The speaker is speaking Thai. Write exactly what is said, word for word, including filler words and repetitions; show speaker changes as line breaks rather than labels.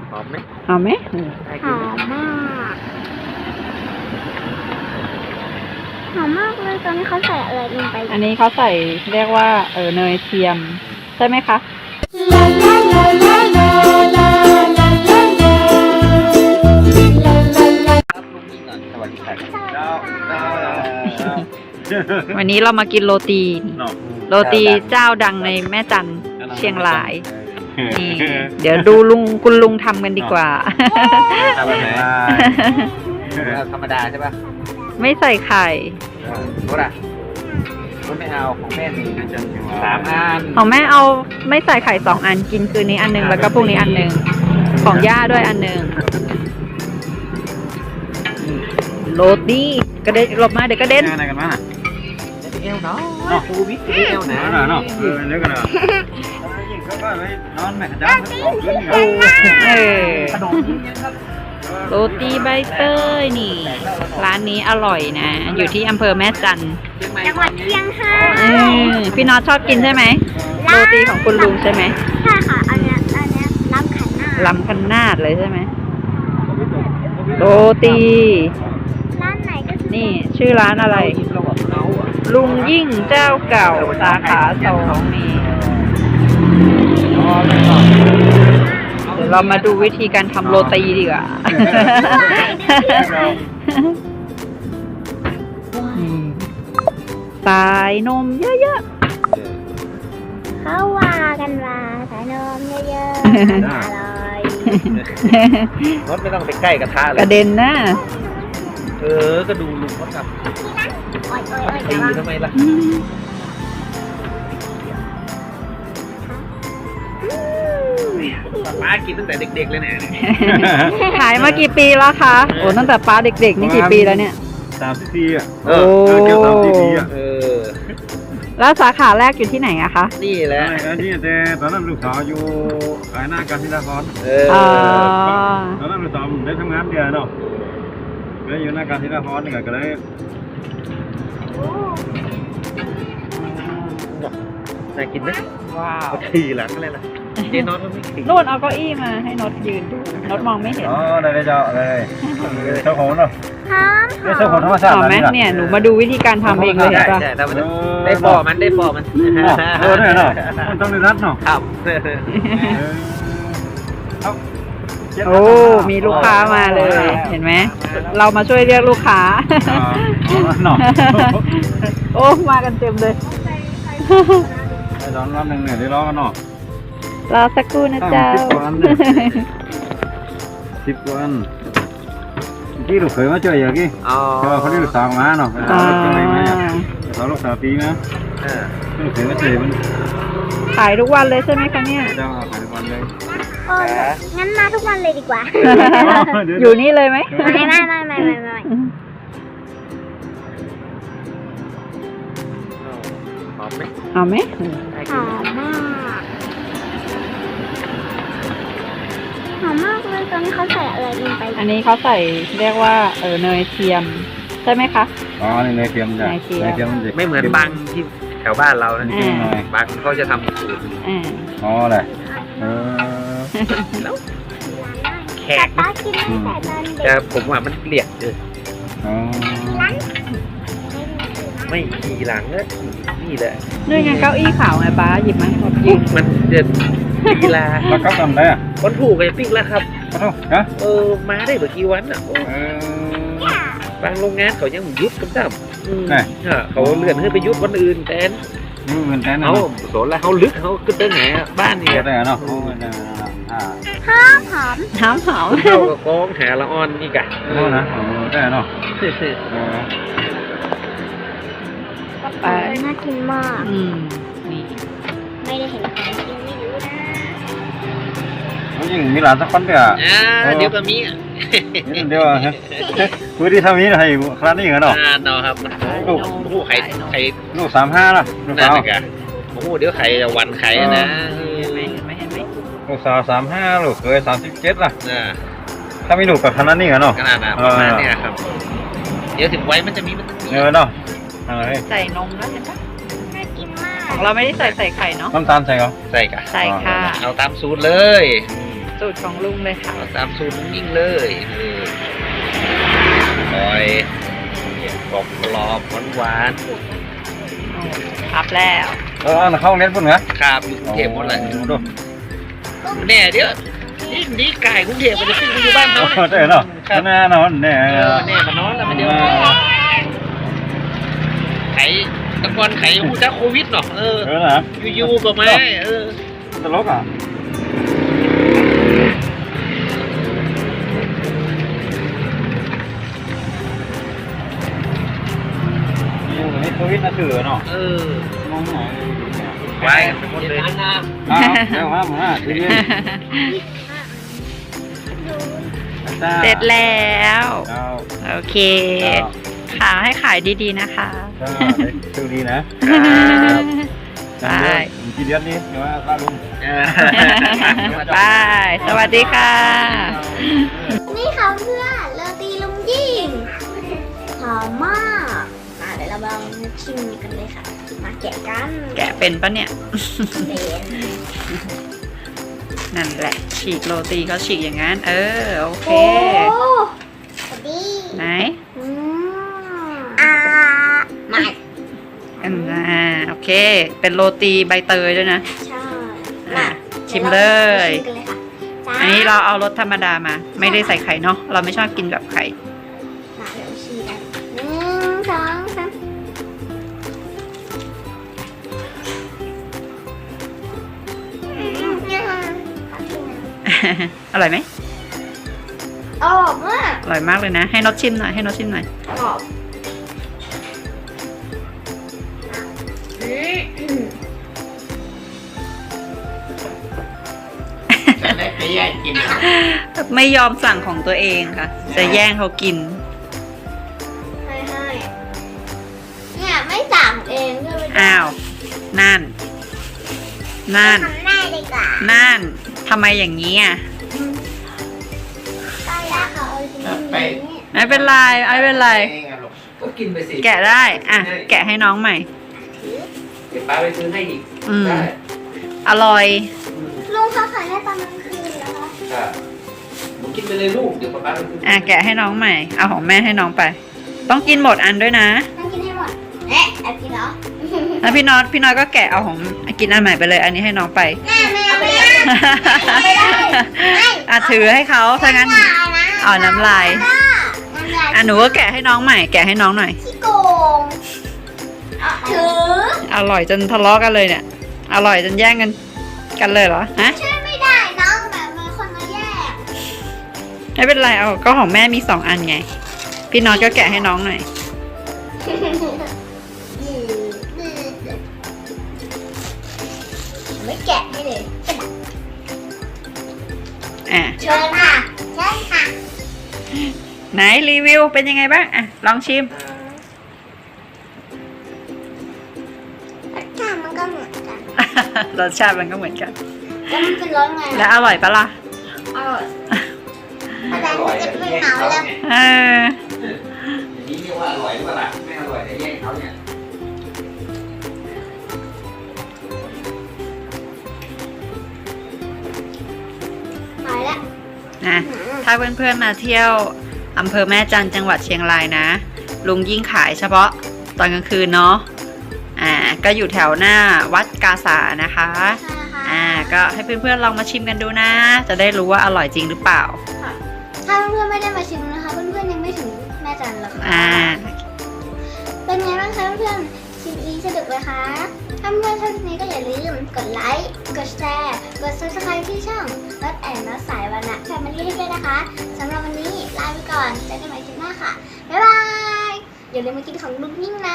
หอมไหม
หอมไหม
หอมมากหอมมากเลยตอนนี้เขาใส่อะไรลงไป
อันนี้เขาใส่เรียกว่าเออเนยเทียมใช่ไหมคะ วันนี้เรามากินโรตีโรตีเจ้าดังในแม่จันเชียงรายนี่เดี๋ยวดูลุงคุณลุงทำกันดีกว่า
ทำแบบไหนธรรมดาใช่ป่ะ
ไม่ใส่ไข่
รถอ่ะรถไม่เอาของแม่สี่สามอัน
ของแม่เอาไม่ใส่ไข่สองอันกินคืนนี้อันหนึงแล้วก็พรุ่งนี้อันหนึงของย่าด้วยอันหนึงโรตีกระเด็นหลบมาเดี๋ยวกระเด็น
อะไรกันมาเอวเนาะคูวิทเอวหนาเนาะเออเนื้อกันเนาะยิ่งเขาก็ไปนอนแม่จ้าออกขึ้นอยู่
เออ
ขนมยิ่งครับ
โรตีใบเตยนี่ร้านนี้อร่อยนะอยู่ที่อำเภอแม่จันทร์
จังหวัดเชียงราย
อืมพี่น็อตชอบกินใช่ไหมโรตีของคุณลุงใช่ไหม
ใช่ค่ะอันเนี้ยอันเนี้ยล้ำขันหน้า
ลำคันนาดเลยใช่ไหมโรตี
ร้านไหนก็คือ
นี่ชื่อร้านอะไร ลุงยิ่งเจ้าเก่าสาขาสองนี่เดี๋ยวเรามาดูวิธีการทำโรตีดีกว่าสายนมเยอะ
เขาว่ากันว่าสายนมเยอะๆอร่อย
รถไม่ต้องไปใกล้กระทะ
ๆ
เล
ก
ย
ระเด็นนะ
เออก็ดูลุงเขาทำ
โอ๊ยโอ๊ยโอ๊ย
ตี
เดี๋ยว
ทำไมล่ะ ป้ากินตั้งแต่เด็กๆเลยเนี่ย
ขายมากี่ปีแล้วคะโอ้ตั้งแต่ป้าเด็กๆนี่กี่ปีแล้วเนี่ย
สามสิบปีอ่ะ
เอ
โอ้
อ
เกี่ยวสามสิบปีอ่ะ
เออ
แล้วสาขาแรกอยู่ที่ไหนอะคะ
นี่แหละ
อันนี้แต่ตอนนั้นลูกสาวอยู่ขายหน้าการศิลาพร
เออ
อ๋อ
ตอนนั้นลูกสาวได้ทำงานเดียวเนาะก็เลยอยู่หน้าการศิลาพรนี่ก็เลย
น่ากินไหม
ว้าว
เอาขี่หลังอะไรล่ะเจ๊นอนก็ไม่ขี่
นู่นเอาเก้าอี้มาให้นดยืนดูนดมองไม่เห็น
อ๋อได้เลยเจ้าเลยเจ้าของเนาะ
หอมหอ
เจ้าของ
ม
ธรรมชาติ
หอมไหมเนี่ยหนูมาดูวิธีการทำเองเลยเห็น
ใช่
ปะ
ใช่แต่มันได้ปอมันได้ปอมัน
เออเนี่ยเนาะมันต้องได้รัดเนาะ
ครับ
โอ้มีลูกค้ามาเลยเห็นไหมเรามาช่วยเรียกลูกค้า
เนาะ
โอ้มากันเต็มเลย
ไอ้ตอนรอบหนึ่งเนี่ยได้ร้องกันเนาะ
รอสักครู่นะเจ้า
สิบวันที่ลูกเคยมาเจออย่างกี้
อ๋อ
เขาได้ลูกสาวมาเนาะ
อ๋อ
สาวลูกสาวปีนะ
เออ
ลูกเคยมาเจอมัน
ขายทุกวันเลยใช่ไหมคะเนี่ย
เจ้าขายทุกวันเลย
โอ้ยงั้นมาทุกวันเลยดีกว่า
อยู่นี่เลยไหม
ไม่ไม่ไม่ไม่ไม่ไม่
หอมไหม
เอาไหม
หอมมากหอมมากเลยตอนนี้เขาใส่อะไรลงไป
อันนี้เขาใส่เรียกว่าเออเนยเทียมใช่ไหมคะ
อ๋อนี่เนยเทียมจ้ะ
เนยเทียม
เนยเทียมมันจะ
ไม่เหมือนบางที่แถวบ้านเรานะ
อ่า
บางเขาจะทำสูตร
อ่า
อ๋อแหละเออ
แล้วแข
แต่
ก
ป้ากินตั้งแต่ตอนเด็
แต่
ก
ผมว่ามันเกลียดเออ
อ๋อ
ไม่ขี่หลังนะนี่แหละ
ด้วยไงเก้าอี้ขาวไงป้าหยิบมาให้ผมยืน
มันจะกีฬา
แล้วก็ทำได้อ่ะ
คนถูกไอ้ปิ๊กแล้วครับ
ขอโทษนะ
เออมาได้เมื่อกี่วันอ่ะโอ้
เออบ
างโรงงานเขายังยุบกันจ้ำอืม
ไหน
เออเขาเลื่อนให้ไปยุบวันอื่นแทน
นี่เหมือนกันนะ
เขาโสนแล้วเขาลึกเขาขึ้นได้ไงอะบ้านนี่
เดี๋ยว
อะ
ได้เนาะโอ้ยนะอ่า
หอมหอม
น้ำหอม
เขาก็กองหาละอ่อนนี่กะ
โอ้นะโอ้ได้เนาะเออ
ไป
น่ากินมาก
อืมนี่
ไม่ได้เห็นของจริงไม่รู้นะ
แล้วยิ่งมีหลานสักคนเดียว
อ่าเดี๋ยวก็มีอ่ะ
นี่เดียวฮะคุยที่ทำนี้ให้คลาดนี่เหรอเนาะ
อ่าเนาะครับโอ้โหไข่ไข่
ลูกสามห้าล่ะลูก
นั่น
สาว
นะกะโอ้โหเดี๋ยวไข่จะวันไข่นะ
เห็นไหมเห็นไหมเห็นไหม
ลูกสาวสามห้าลูกเคยสามสิบเจ็ดล่ะ
อ่า
ถ้ามีลูกกับคณะนี่เหรอเนาะ
ขนาดน่ะประมาณเนี้ยครับ เดี๋ยวถึงไว้มันจะมีมันจะมี
เออเนาะอะไร
ใส่นมแล้วเห็นปะ
น่ากินมาก
ของเราไม่ได้ใส่ใส่ไข่เนาะ
น้ำตาลใส่เหรอ
ใส่กะ
ใส่ค่ะ
เอาตามสูตรเลย
สูตรของลุงเลยค่ะ
เอาตามสูตรยิ่งเลยอร่อยกรอบกรอบหวานหวาน
อัพแล้ว
เออเข้าเน็ตพุ่นเหรอ
ครับอยู่กรุงเทพหมดเลย
ดู
แน่เดี๋ยวนี่นี่ไก่กรุงเทพมันจะขึ้นไปอยู่บ้านเขา
โอ้ใช่เนาะแน่นอนแน่
เออแน่มานอนแล้วมันเดียวไข่ตะกอนไข่หูจ้าโควิดเนาะเออ
เออนะ
อยู่ๆก็มาเออ
ตลกอ่ะอยู่ในโควิดนะถือเนาะ
เออ
มองหน่อย
ไว้เป็นคนเลยนะ
อ้าวเดี๋ยวมามาทีนี้
เสร็จแล้ว
เจ้า
โอเค ขายให้ขายดีๆนะคะ
เจ้าดูดีนะ
บาย
กี่เดือนนี้เดี๋ยวว่าป้าลุง
เออบ
าย สวัสดีค่ะ
นี่ค่ะเพื่อนโรตีลุงยิ่งหอมมากมาเดี๋ยวเราลองชิมกันเลยค่ะ มาแกะกัน
แกะเป็นปะเนี่ย
เป็น
นั่นแหละ ฉีกโรตีเขาฉีกอย่างนั้น เออ โอเค
โอ้สวัสดี
ไหน
อืมอ่ามา
อันน่ะโอเค เป็นโรตีใบเตยด้วยนะ
ใช่
อ่ะ
มา
ชิมเลย
ชิมกันเลยค่ะจ้า
อันนี้เราเอารสธรรมดามา ไม่ได้ใส่ไข่เนาะ เราไม่ชอบกินแบบไข่
มาเดี๋ยวชิมกันหนึ่งสองสามอืมเนี่ยค่ะขอบคุณนะ
อร่อยไหม
อร่อยมาก
อร่อยมากเลยนะ ให้นดชิมหน่อย ให้นดชิมหน่อย
กรอบอืม
แต่ได้ไปแย่งกินนะ
ไม่ยอมสั่งของตัวเองค่ะ จะแย่งเขากิน
ให้ให้เนี่ยไม่สั่งเองก็ไม่ได้
อ้าว นั่น นั่น
ทำได้ดีกว่า
นั่น ทำไมอย่างนี้อ่ะ
ก็อยากเอาจริงๆ
ไม่เป็นไร ไม่เป็นไร
ก็กินไปสิ
แกะได้ อ่ะ แกะให้น้องใหม่
เดี๋ยวป้าไปซื้อให้อีก
อืม
ได้
อร่อย
ลุงเขาขายให้ตอนกลางคืนนะคะ
ครับหนูกินไปเลยลูกเดี๋ยวป้าไปซื้อ
อ่ะ แกะให้น้องใหม่ เอาของแม่ให้น้องไป ต้องกินหมดอันด้วยนะ
ต้องกินให้หมดเอ๊ะแอบกินเหรอ
แล้วพี่น็อต พี่น็อตก็แกะเอาของกินอันใหม่ไปเลย อันนี้ให้น้องไป
แม่ไม่เอาไม่ได้ไม่ได้ไม่
อ่ะถือให้เขาถ้างั้น เอาน้ำลาย
น้ำลาย
อ่ะหนูก็แกะให้น้องใหม่ แกะให้น้องหน่อย
ขี้โกงถือ
อร่อยจนทะเลาะกันเลยเนี่ย อร่อยจนแย่งกันกันเลยเหรอ ฮะ
ช่วยไม่ได้น้องแบบมีคนมาแยก
ไม่เป็นไร เอาก็ของแม่มีสองอันไง พี่น็อตก็แกะให้น้องหน่อย
ไม่แกะให้เลย
อ่ะ
เชิญค่ะเชิญค่ะ
ไหนรีวิวเป็นยังไงบ้าง อ่ะ ลองชิม
รสชาติมันก็เหมือนกัน
รสชาติมันก็เหมือนกัน
แล้วมันเป็นรสไง
แล้วอร่อยปะล่ะ
อร่อยแต่มันจะเป็นหนาวแล้ว
เออ
อย่างนี้เรียกว่าอร่อยหรือเปล่าล่ะไม่อร่อยแต่แย่งเขาเนี่ย
หายแล้ว
นะถ้าเพื่อนๆมาเที่ยวอำเภอแม่จันทร์จังหวัดเชียงรายนะ ลุงยิ่งขายเฉพาะตอนกลางคืนเนาะ อ่า ก็อยู่แถวหน้าวัดกาสานะคะ
ใช่ค่ะ
อ่า ก็ให้เพื่อนๆลองมาชิมกันดูนะ จะได้รู้ว่าอร่อยจริงหรือเปล่า
ถ้าเพื่อนๆไม่ได้มาชิมนะคะ เพื่อนๆยังไม่ถึงแม่จันหรอกค่ะ
อ่า
เป็นไงบ้างคะเพื่อนๆคลิปนี้สนุกไหมคะ ถ้าเพื่อนๆชอบคลิปนี้ก็อย่าลืมกดไลค์ กดแชร์ กด ซับสไครบ์ ที่ช่องรถแอนนัสสายวันนะแฟมิลี่ให้ด้วยนะคะสำหรับวันนี้ลาไปก่อนเจอกันใหม่คลิปหน้าค่ะ บ๊ายบาย อย่าลืมมากินของลุงยิ่งนะ